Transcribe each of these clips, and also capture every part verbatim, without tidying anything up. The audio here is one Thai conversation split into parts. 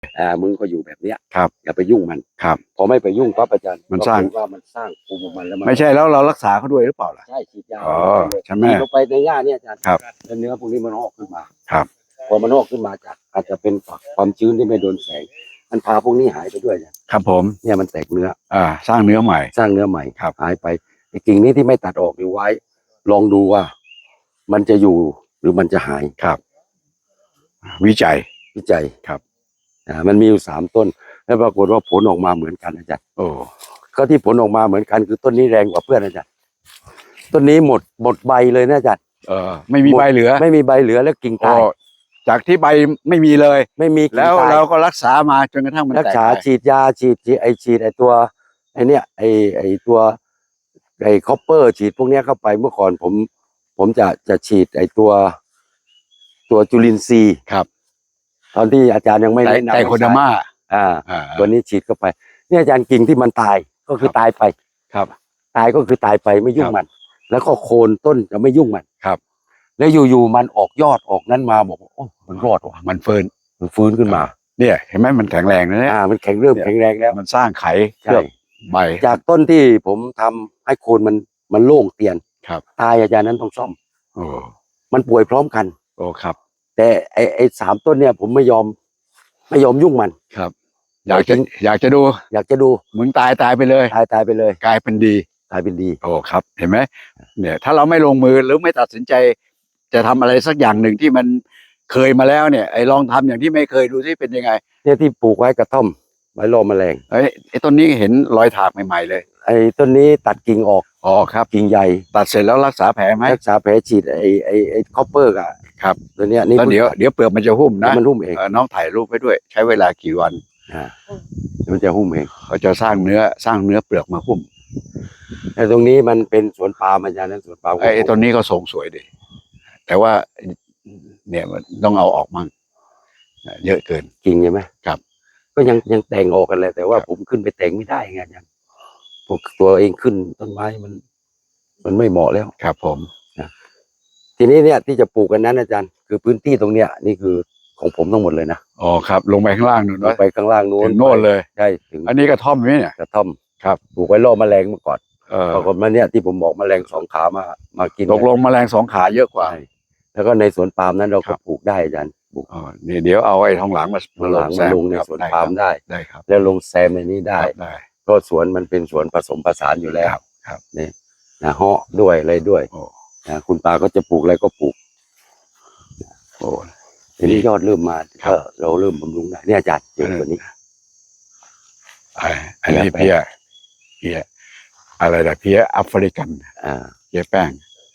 อ่ามึงก็อยู่แบบเนี้ยครับอย่าไปยุ่งมันครับพอไม่ไปยุ่งปั๊บอาจารย์มันสร้างว่ามันสร้างภูมิของมันแล้วมันไม่ใช่แล้วเรารักษาเขาด้วยหรือเปล่าล่ะใช่ฉีดยาอ๋อใช่ไหมฉีดลงไปในหญ้าเนี่ยอาจารย์ครับแล้วเนื้อพวกนี้มันออกขึ้นมาครับพอมันออกขึ้นมาจากอาจจะเป็นความชื้นที่ไม่โดนแสงมันพาพวกนี้หายไปด้วยเนี่ยครับผมเนี่ยมันแตกเนื้ออ่าสร้างเนื้อใหม่สร้างเนื้อใหม่ครับหายไปไอ้กิ่งนี้ที่ไม่ตัดออกอยู่ไว้ ลองดูว่ามันจะอยู่หรือมันจะหายครับ วิจัยวิจัยครับอ่ามันมีอยู่สามต้น แล้วปรากฏว่าผลออกมาเหมือนกันอาจารย์โอ้ก็ที่ผลออกมาเหมือนกันคือต้นนี้แรงกว่าเพื่อนอาจารย์ต้นนี้หมดหมดใบเลยนะอาจารย์เออไม่มีใบเหลือไม่มีใบเหลือแล้วกิ่งโอ้ตายจากที่ใบไม่มีเลยไม่มีกิ่งแล้วตายเราก็รักษามาจนกระทั่งมันรักแตกษาได้ฉีดยาฉีดฉีดไอฉีดไอตัวไอเนี้ยไอไอตัวไอคอปเปอร์ฉีดพวกเนี้ยเข้าไปเมื่อก่อนผม ผมจะจะฉีดไอตัว ตัวจุลินทรีย์ครับตอนที่อาจารย์ยังไม่แนะนำไตโคเดอร์มาอ่าอ่าตัวนี้ฉีดเข้าไปเนี่ยอาจารย์กิ่งที่มันตายก็คือครับตายไปครับตายก็คือตายไปไม่ยุ่งครับมัน แล้วก็โคนต้นจะไม่ยุ่งมันครับแล้วอยู่ๆมันออกยอดออกนั้นมาบอกว่าโอ้มันรอดว่ะมันเฟิร์นมันฟื้นขึ้นมาเนี่ยเห็นไหมมันแข็งแรงนะเนี่ยอ่ามันแข็งเริ่มแข็งแรงแล้วมันสร้างไข่เคใช่ลือบใบจากต้นที่ผมทำให้โคนมันมันโล่งเตียนครับตายอาจารย์นั้นต้องซ่อมโอ้มันป่วยพร้อมกันโอ้ครับแต่ไอไอสามต้นเนี่ยผมไม่ยอม ไม่ยอมยุ่งมันครับ อยากจะจริงอยากจะดูอยากจะดูมึงตายตายไปเลยตายตายไปเลยกลายเป็นดีตายเป็นดีโอ้ครับ เห็นไหมเนี่ย ถ้าเราไม่ลงมือหรือไม่ตัดสินใจ จะทำอะไรสักอย่างหนึ่งที่มันเคยมาแล้วเนี่ยไอ้ลองทำอย่างที่ไม่เคยดูที่เป็นยังไงเนี่ยที่ปลูกไว้กระท่อมไว้รอแมลงไอ้ไอ้ต้นนี้เห็นรอยถากใหม่ๆเลยไอ้ต้นนี้ตัดกิ่งออกอ๋อครับกิ่งใหญ่ตัดเสร็จแล้วรักษาแผลไหมรักษาแผลฉีดไอ้ไอ้ไอ้คอปเปอร์อะครับตัวเนี้ยนี่แล้วเดี๋ยวเดี๋ยวเปลือกมันจะหุ้มนะนะมันหุ้มเองเอ่อน้องถ่ายรูปไว้ด้วย ใช้เวลากี่วันอ่ามันจะหุ้มเองเขาจะสร้างเนื้อสร้างเนื้อเปลือกมาหุ้มแต่ตรงนี้มันเป็นสวนปาล์มอาจารย์นั้นสวนปาล์มไอ้ไอ้ต้นนี้ก็ทรงสวยดีแต่ว่าเนี่ยมันต้องเอาออกมั่งเยอะเกินกิ่งใช่ไหมครับก็ยังยังแต่งออกกันเลยแต่ว่าครับผมขึ้นไปแต่งไม่ได้ไงอาจารย์พวกตัวเองขึ้นต้นไม้มัน มันไม่เหมาะแล้วครับผมทีนี้เนี่ยที่จะปลูกกันนั้นอาจารย์คือพื้นที่ตรงเนี้ยนี่คือของผมทั้งหมดเลยนะอ๋อครับ ลงไปข้างล่างนู่นลงนะไปข้างล่างนู้นถึงโน่นเลยใช่ถึงอันนี้กระท่อมไหมเนี่ยกระท่อมครับปลูกไว้ล่อแมลงเมื่อก่อนเออปรากฏมาเนี่ยที่ผมบอกแมลงสองขามามากินตกลงแมลงสองขาเยอะกว่าใช่แล้วก็ในสวนปาล์มนั้นเราครัก็บปลูกได้อาจารย์ปลูกอ๋อนี่เดี๋ยวเอาไอ้ทองหลังมาข้างหลังแซมาลงในครับสวนได้ปาล์มครับได้ได้ครับแล้วลงแซมในนี้ได้ครับได้เพราะสวนมันเป็นสวนผสมผสานอยู่แล้วครับครับนี่นะเหาะด้วยอะไรด้วยโอ้นะคุณตาก็จะปลูกอะไรก็ปลูกโอ้ทีนี้ยอดเริ่มมาครับก็เราเริ่มบำรุงได้เนี่ยอาจารย์เจอตัวนี้ไอ้อันนี้เพียเพียอะไรนะเพียแอฟริกันอ่าเพียแป้ง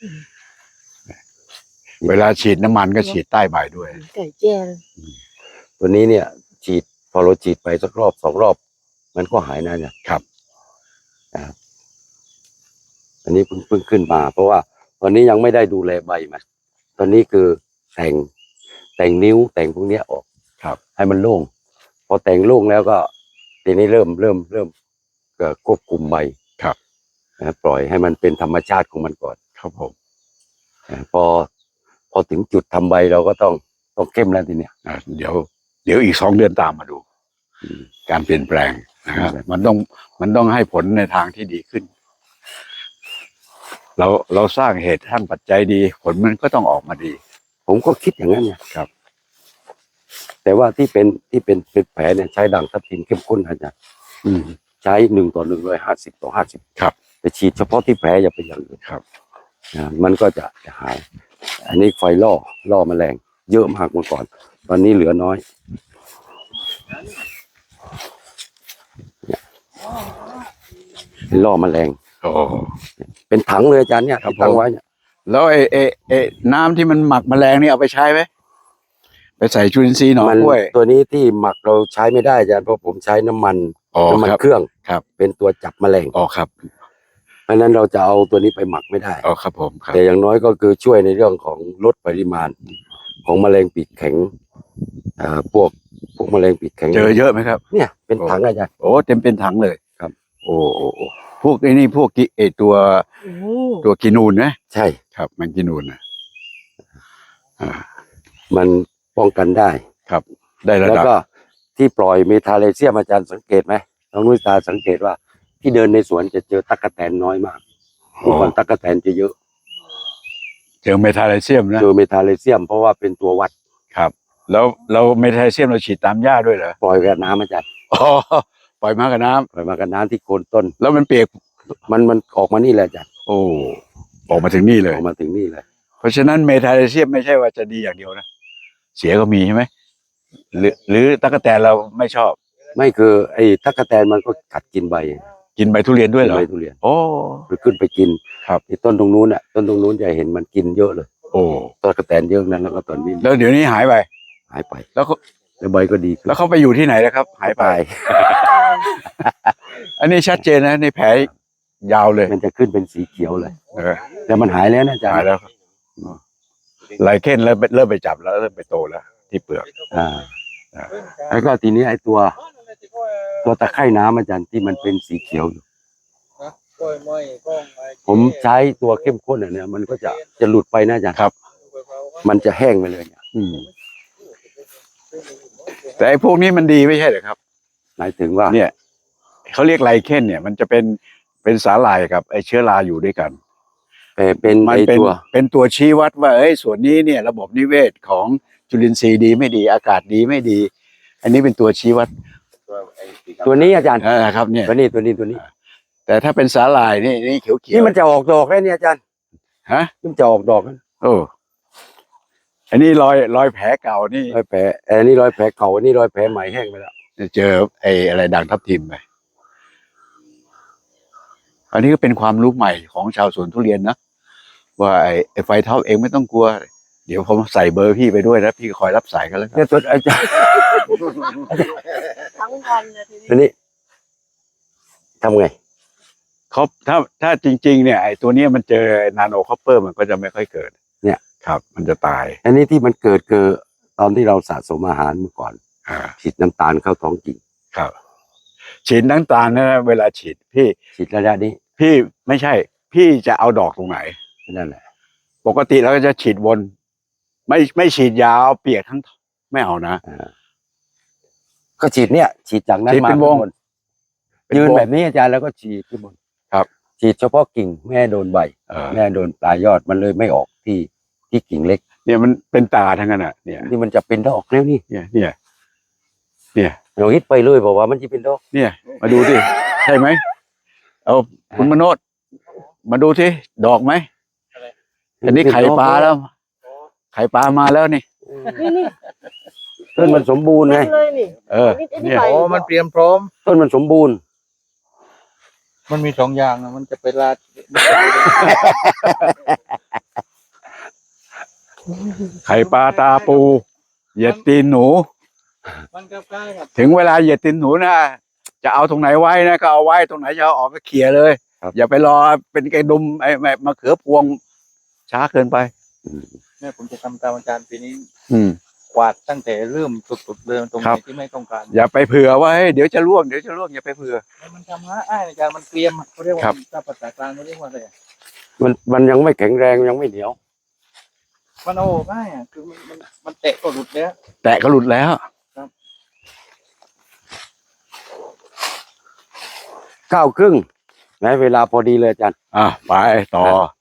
เวลาฉีดน้ำมันก็ฉีดใต้ใบด้วยไก่แจ้เลยตัวนี้เนี่ย ฉีดพอเราฉีดไปสักรอบสองรอบ มันก็หายนะเนี่ยครับนะครับอันนี้เพิ่งเพิ่งขึ้นมา เพราะว่าตอนนี้ยังไม่ได้ดูแลใบมันตอนนี้คือแต่งแต่งนิ้วแต่งพวกเนี้ยออกครับให้มันโล่งพอแต่งโล่งแล้วก็ทีนี้เริ่มเริ่มเริ่มเอ่อควบคุมใบครับนะปล่อยให้มันเป็นธรรมชาติของมันก่อนครับผมนะพอพอถึงจุดทำใบเราก็ต้องต้องเข้มแล้วทีเนี้ยอ่ะเดี๋ยว เดี๋ยวอีกสองเดือนตามมาดูอืมการเปลี่ยนแปลงนะครับครับมันต้องมันต้องให้ผลในทางที่ดีขึ้น เราเราสร้างเหตุสร้างปัจจัยดี ผลมันก็ต้องออกมาดีผมก็คิดอย่างนั้นไงครับแต่ว่าที่เป็นที่เป็นเป็นแผลเนี่ยใช้ด่างทับทิมเข้มข้นอาจารย์อืมใช้หนึ่งต่อหนึ่งร้อยห้าสิบต่อห้าสิบครับแต่ฉีดเฉพาะที่แผลอย่าไปอย่างอื่นครับนะมันก็จะจะหาย อันนี้ไฟล่อล่อแมลงเยอะมากเมื่อก่อน ตอนนี้เหลือน้อยเนี่ยล่อแมลงโอ้เป็นถังเลยอาจารย์เนี่ยครับที่ตั้งผมไว้เนี่ยแล้วไอ้ไอ้ไอ้น้ำที่มันหมักแมลงนี่เอาไปใช้ไหมไปใส่จุลินทรีย์หนองมันกล้วยตัวนี้ที่หมักเราใช้ไม่ได้อาจารย์เพราะผมใช้น้ำมันอ๋อน้ำมันครับเครื่องครับเป็นตัวจับแมลงอ๋อครับเพราะฉะนั้นเราจะเอาตัวนี้ไปหมักไม่ได้อ๋อครับผมครับแต่อย่างน้อยก็คือช่วยในเรื่องของลดปริมาณ ของแมลงปีกแข็งอ่าพวกพวกแมลงปีกแข็งเจอเยอะไหมครับเนี่ยเป็นถังอาจารย์โอ้เต็มเป็นถังเลยครับโอ้โอ้โอ้พวกไอ้นี่พวกกิไอตัวโอ้ตัวกินูนนะใช่ครับมันกินูนนะอ่ามันป้องกันได้ครับ ได้ระแล้วดับก็ที่ปล่อยเมทาเลเซียมอาจารย์สังเกตไหมน้องนุ้ยตาสังเกตว่า ที่เดินในสวนจะเจอตั๊กแตนน้อยมากเมื่อก่อนตั๊กแตนจะเยอะเจอเมทาไลเซียมนะเจอเมทาเลเซียมเพราะว่าเป็นตัววัดครับ แล้วเราเมทาไลเซียมเราฉีดตามหญ้าด้วยเหรอปล่อยกับน้ำอาจารย์อ๋อปล่อยมากับน้ำปล่อยมากับน้ำที่โคนต้นแล้วมันเปียกมันมันออกมานี่แหละอาจารย์โอ้ออกมาถึงนี่เลอย อกมาถึงนี่เลยเพราะฉะนั้นเมทาไลเซียมไม่ใช่ว่าจะดีอย่างเดียวนะเสียก็มีใช่ไหมหรือหรือตั๊กแตนเราไม่ชอบไม่คือไอ้ตั๊กแตนมันก็กัดกินใบกินใบทุเรียนด้วยเหรอใบทุเรียนโอ้ไปขึ้นไปกินครับที่ต้นตรงนู้นอ่ะต้นตรงนู้นจะเห็นมันกินเยอะเลยโอ้ตั๊กแตนเยอะนั้นแล้วก็ตอนนี้แล้วเดี๋ยวนี้หายไปหายไปแล้วเขาแล้วใบก็ดีขึ้นแล้วเขาไปอยู่ที่ไหนแล้วครับ หายไป อันนี้ชัดเจนนะในแผลยาวเลยมันจะขึ้นเป็นสีเขียวเลยเออแต่มันหายแล้วนะอาจารย์หายแล้วครับไลเคนเริ่มเริ่มไปจับแล้วเริ่มไปโตแล้ว ที่เปลือกอ่าแล้วก็ทีนี้ไอ้ตัว ตัวตะไคร่น้ำอาจารย์ที่มันเป็นสีเขียวอยู่ผมใช้ตัวเข้มข้นอ่ะเนี่ยมันก็จะจะหลุดไปนะอาจารย์ครับมันจะแห้งไปเลยเนี่ยอืมแต่ไอ้พวกนี้มันดีไม่ใช่เหรอครับหมายถึงว่าเนี่ยเขาเรียกไลเคนเนี่ย มันจะเป็นเป็นสาหร่ายกับไอ้เชื้อราอยู่ด้วยกันเอ่อเป็นมันไอ้เป็นตัวเป็นตัวชี้วัดว่าเอ้ยส่วนนี้เนี่ย ระบบนิเวศของจุลินทรีย์ดีไม่ดี อากาศดีไม่ดี อันนี้เป็นตัวชี้วัดตัวนี้อาจารย์อ่าครับเนี่ยตัวนี้ตัวนี้ตัวนี้แต่ถ้าเป็นสาหร่ายนี่นี่เขียวเขียวนี่มันจะออกดอกแล้วเนี่ยอาจารย์ฮะนี่มันจะออกดอกแล้วโอ้อันนี้รอยรอยแผลเก่านี่รอยแผลเอันนี้รอยแผลเก่าอันนี้รอยแผลใหม่แห้งไปแล้วเจอไอ้อะไรด่างทับทิมไปอันนี้ก็เป็นความรู้ใหม่ของชาวสวนทุเรียนนะว่าไอ้ไอ้ไฟท็อปเองไม่ต้องกลัว เดี๋ยวผมใส่เบอร์พี่ไปด้วยนะพี่คอยรับสายกันแล้วกันเนี่ยตัวอาจารย์ทั้งวันเลยทีตัวนี้นี้ทำไงเขาถ้าถ้าจริง ๆ เนี่ยไอ้ตัวเนี้ยมันเจอนาโนคอปเปอร์มันก็จะไม่ค่อยเกิดเนี่ยครับ มันจะตายอันนี้ที่มันเกิดคือตอนที่เราสะสมอาหารเมื่อก่อนอ่าฉีดน้ำตาลเข้าท้องกิ่งครับ ฉีดน้ำตาลนะเวลาฉีดพี่ฉีดระยะนี้พี่ไม่ใช่ พี่จะเอาดอกตรงไหนนั่นแหละปกติเราก็จะฉีดวน ไม่ไม่ฉีดยาวเปียกทั้งไม่เอานะอ่าก็ฉีดเนี่ย ฉีดจากนั้นฉีดมาเป็นวงข้างบนยืนแบบนี้อาจารย์แล้วก็ฉีดขึ้นบนครับฉีดเฉพาะกิ่งไม่ให้โดนใบเออไม่ให้โดนปลายยอดมันเลยไม่ออกที่ที่กิ่งเล็กเนี่ยมันเป็นตาทั้งนั้นอ่ะเนี่ยนี่มันจะเป็นดอกแล้วนี่เนี่ยเนี่ยเนี่ยเราฮิตไปเลยบอกว่ามันจะเป็นดอกเนี่ยมาดูสิใช่ไหมเอาคุณมโนดมาดูสิดอกไหมอันนี้ไข่ปลาแล้ว ไข่ปลามาแล้วนี่นี่นี่ต้นมันสมบูรณ์ไงเลยนี่เออนี่นี่เนี่ยใบอ๋อ มันเตรียมพร้อมต้นมันสมบูรณ์มันมีสองอย่างนะมันจะไปลาดไข่ปลาตาปูเหยียดตีนหนูมันก็ใกล้กับถึงเวลาเหยียดตีนหนูนะจะเอาตรงไหนไว้นะก็เอาไว้ตรงไหนจะเอาออกก็เขี่ยเลยครับอย่าไปรอเป็นไก่ดุมไอ้ไอ้มะเขือพวงช้าเกินไปเนี่ยผมจะทำตามอาจารย์ปีนี้อืมกวาดตั้งแต่เริ่มสุดๆเลยตรงไหครันบที่ไม่ต้องการอย่าไปเผื่อว่าเฮ้ยเดี๋ยวจะร่วงเดี๋ยวจะร่วงอย่าไปเผื่อมันทำง่ายอาจารย์มันเตรียมเขาเรียกว่าครับถ้าภาษากลางเขาเรียกว่าอะไรอะมันมันยังไม่แข็งแรงยังไม่เหนียวมันเอาออกง่ายอ่ะคือมันมันมันเตะก็หลุดแล้วแตะก็หลุดแล้วเก้าครึ่งนะเวลาพอดีเลยอาจารย์อ่ะไปต่อ